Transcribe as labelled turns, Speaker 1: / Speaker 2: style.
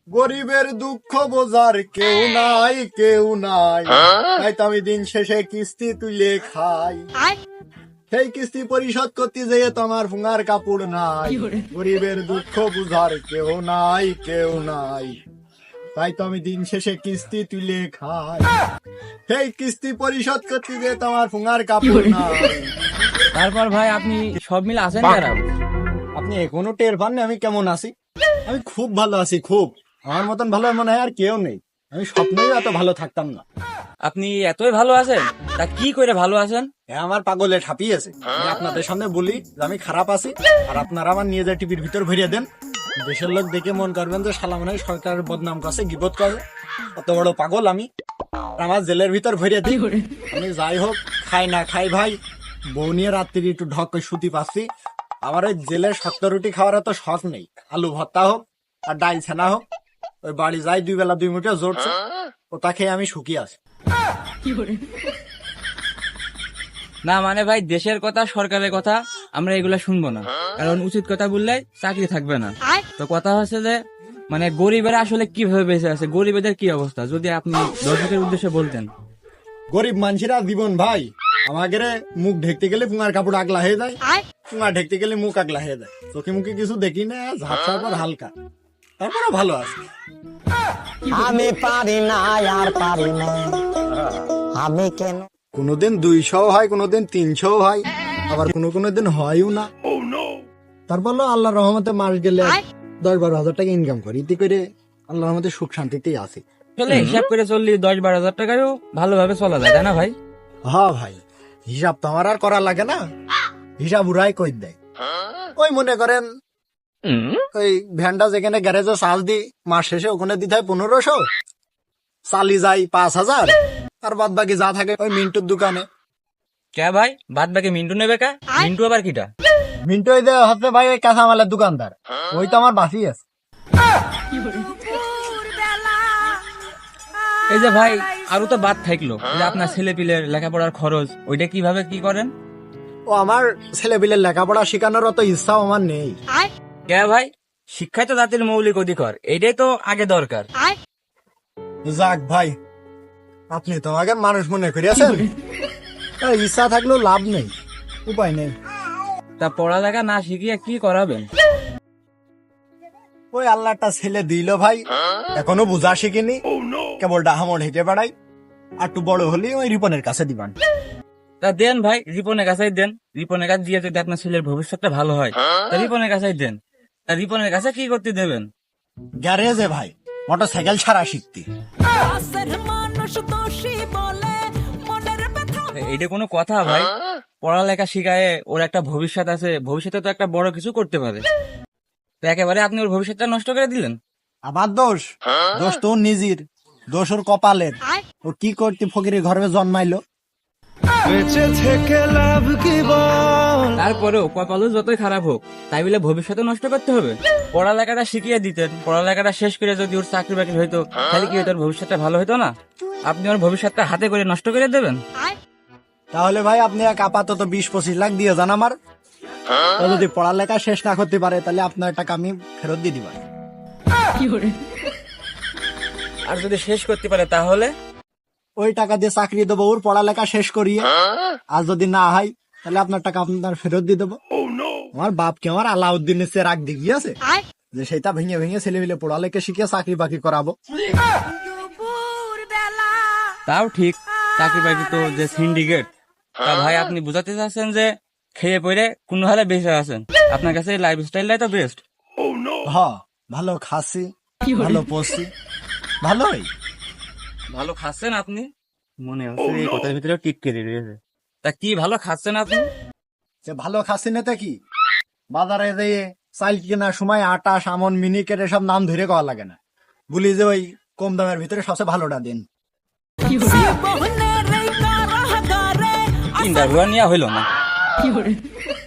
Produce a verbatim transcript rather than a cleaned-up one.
Speaker 1: গরিবের দুঃখ বোঝার কেউ নাই কেউ নাই, তাই তো আমি দিন শেষে কিস্তি তুলে খাই। সেই কিস্তি পরিশোধ করতে যেয়ে তোমার ফুঙার কাপড় নাই। গরিবের দুঃখ বুঝার কেউ নাই কেউ নাই, তাই তো আমি দিন শেষে কিস্তি তুলে খাই। সেই কিস্তি পরিশোধ করতে যেয়ে তোমার ফুঙার কাপড় নাই।
Speaker 2: তারপর ভাই আপনি সব মিলে আছেন খারাপ?
Speaker 1: আপনি এখনো টের পাননি আমি কেমন আছি? আমি খুব ভালো আছি, খুব। আমার মতন ভালো মনে হয় আর কেউ নেই। আমি স্বপ্নেও এত ভালো থাকতাম না।
Speaker 2: আপনি এতই ভালো আছেন? তা কি করে ভালো আছেন?
Speaker 1: এ আমার পাগলে ঠাপিয়েছে। আমি আপনাদের সামনে বলি যে আমি খারাপ আছি, আর আপনারা আমার নিয়ে যায় টিভির ভিতর ভরিয়ে দেন। দেশের লোক দেখে মন করবেন যে শালা মনে হয় সরকারের বদনাম করছে, গিবত করে। অত বড় পাগল আমি। আর আমার জেলের ভিতর ভরিয়ে দিই। আমি যাই হোক, খাই না খাই ভাই, বউ নিয়ে রাত্রি একটু ঢক করে শুতি পাচ্ছি। আমার ওই জেলের শক্ত রুটি খাওয়ার এত শখ নেই। আলু ভর্তা হোক আর ডাল ছানা হোক, ওই বাড়ি যাই দুই বেলা দুই মুঠে জোরছে, ওটা খেয়ে আমি সুখী আছি।
Speaker 2: না মানে ভাই, দেশের কথা সরকারের কথা আমরা এগুলা শুনবো না, কারণ উচিত কথা বললে চাকরি থাকবে না। তো কথা হচ্ছে যে মানে গরিবেরা আসলে কিভাবে বেঁচে আছে, গরিবেদের কি অবস্থা, যদি আপনি দর্শকের উদ্দেশ্যে বলতেন।
Speaker 1: গরিব মানুষেরা জীবন ভাই, আমাদের মুখ ঢেকতে গেলে পুঙার কাপড় আগলা হয়ে যায়, পুঙা ঢেকতে গেলে মুখ আগলা হয়ে যায়। চোখে মুখে কিছু দেখি না, ঝাপসার পর হালকা, তারপরে ভালো আছে।
Speaker 3: আমি পারি না আর পারি না, আমি কেন।
Speaker 1: কোনোদিন দুইশো হয়, কোনোদিন তিনশো হয়, আবার কোনো কোনো দিন হয়ও না। তারপর আল্লাহ রহমতে মাস গেলে দশ বারো হাজার টাকা ইনকাম করি, ইতি করে আল্লাহ রহমতে সুখ শান্তিতেই আছে।
Speaker 2: আসলে হিসাব করে চললি দশ বারো হাজার টাকাও ভালোভাবে চলা যায়, তাই না ভাই?
Speaker 1: হ্যাঁ ভাই, হিসাব তো আমার আর করা লাগে না, হিসাব উড়াই কই দেয়। ওই মনে করেন ওই ভ্যানটা যেখানে গ্যারেজে চার্জ দিই, মাস শেষে ওখানে দিতে হয় পনেরোশো, চালি যায় পাঁচ হাজার, আর বাদ বাকি যা থাকে ওই মিন্টুর দোকানে।
Speaker 2: কে ভাই, বাদ বাকি মিন্টু নেবে কা? মিন্টু আবার কিটা?
Speaker 1: মিন্টু ওই যে হচ্ছে ভাই ওই কাঁচামালের দোকানদার, ওই তো আমার বাসি আছে।
Speaker 2: এই যে ভাই আরো তো বাদ থাকলো, এই যে আপনার ছেলে পিলের লেখাপড়ার খরচ, ওইটা কিভাবে কি করেন?
Speaker 1: ও আমার ছেলে পিলের লেখাপড়া শেখানোর অত ইচ্ছাও আমার নেই।
Speaker 2: কে ভাই, শিক্ষাই তো জাতির মৌলিক অধিকার, এইটাই তো আগে দরকার।
Speaker 1: যাক ভাই, আপনি তো আমাকে মানুষ মনে করিয়াছেন। আর ইচ্ছা থাকলেও লাভ নেই, উপায় নেই।
Speaker 2: তা পড়ালেখা না শিখিয়ে কি করাবেন?
Speaker 1: ওই আল্লাহটা ছেলে দিল ভাই, এখনো বুঝা শিখিনি, কেবল ডাহামড় হেঁটে বেড়াই। আর একটু বড় হলে ওই রিপনের কাছে দিবান।
Speaker 2: তা দেন ভাই, রিপনের কাছেই দেন। রিপনের কাছে দিয়ে যদি আপনার ছেলের ভবিষ্যৎটা ভালো হয়, তা রিপনের কাছেই দেন। তা রিপনের কাছে কি করতে দেবেন?
Speaker 1: গ্যারেজে ভাই মোটর সাইকেল ছাড়া শিখতে।
Speaker 2: এইটা কোনো কথা ভাই? পড়ালেখা শিখায় ওর একটা ভবিষ্যৎ আছে, ভবিষ্যতে তো একটা বড় কিছু করতে পারে। তো একেবারে আপনি ওর ভবিষ্যৎটা নষ্ট করে দিলেন।
Speaker 1: আমার দোষ? দোষ তো ওর নিজের, দোষ ওর কপালের। ও কি করতে ফকিরের ঘরে জন্মাইলো।
Speaker 2: তারপরেও কপালও যতই খারাপ হোক, তাই বলে ভবিষ্যতে নষ্ট করতে হবে? পড়ালেখাটা শিখিয়ে দিতেন, পড়ালেখাটা শেষ করে যদি ওর চাকরি বাকরি হইতো, তাহলে কি হইতো, ওর ভবিষ্যৎটা ভালো হইতো না? আপনি ওর ভবিষ্যৎটা হাতে করে নষ্ট করে দেবেন।
Speaker 1: তাহলে ভাই আপনি এক আপাতত বিশ পঁচিশ লাখ দিয়ে যান আমার। ও যদি পড়ালেখা শেষ না করতে পারে, তাহলে আপনার টাকা আমি ফেরত দিয়ে দিবা।
Speaker 2: আর যদি শেষ করতে পারে তাহলে
Speaker 1: ওই টাকা দিয়ে চাকরি দেবো ওর পড়ালেখা শেষ করিয়ে। আর যদি না হয়, তাহলে আপনার টাকা আপনার ফেরত দিয়ে দেবো। আমার বাপকে আমার আলাউদ্দিনের চেয়ে রাগ দিক গিয়েছে যে সেটা ভেঙে ভেঙে ছেলে মিলে পড়ালেখা শিখিয়ে চাকরি বাকরি করাবো।
Speaker 2: তাও ঠিক, চাকরি বাকরি তো যে সিন্ডিকেট। তা ভাই আপনি বুঝাতে চাচ্ছেন যে খেয়ে পড়ে কোন হালে বেঁচে আছেন, আপনার কাছে লাইফ স্টাইলটাই তো বেস্ট।
Speaker 1: হ, ভালো খাসি, ভালো পড়ছি, ভালোই।
Speaker 2: ভালো খাচ্ছেন আপনি? মনে হচ্ছে এই কথার ভিতরে টিটকে রয়েছে। তা কি ভালো খাচ্ছেন আপনি?
Speaker 1: যে ভালো খাসি নেতে কি, বাজারে যেয়ে চাল কেনার সময় আটা, সামন, মিনিকেট এসব নাম ধরে কওয়া লাগে না, বলি যে ওই কম দামের ভিতরে সবচেয়ে ভালোটা দিন।
Speaker 2: ইন্টারভিউ নেওয়া হইল না।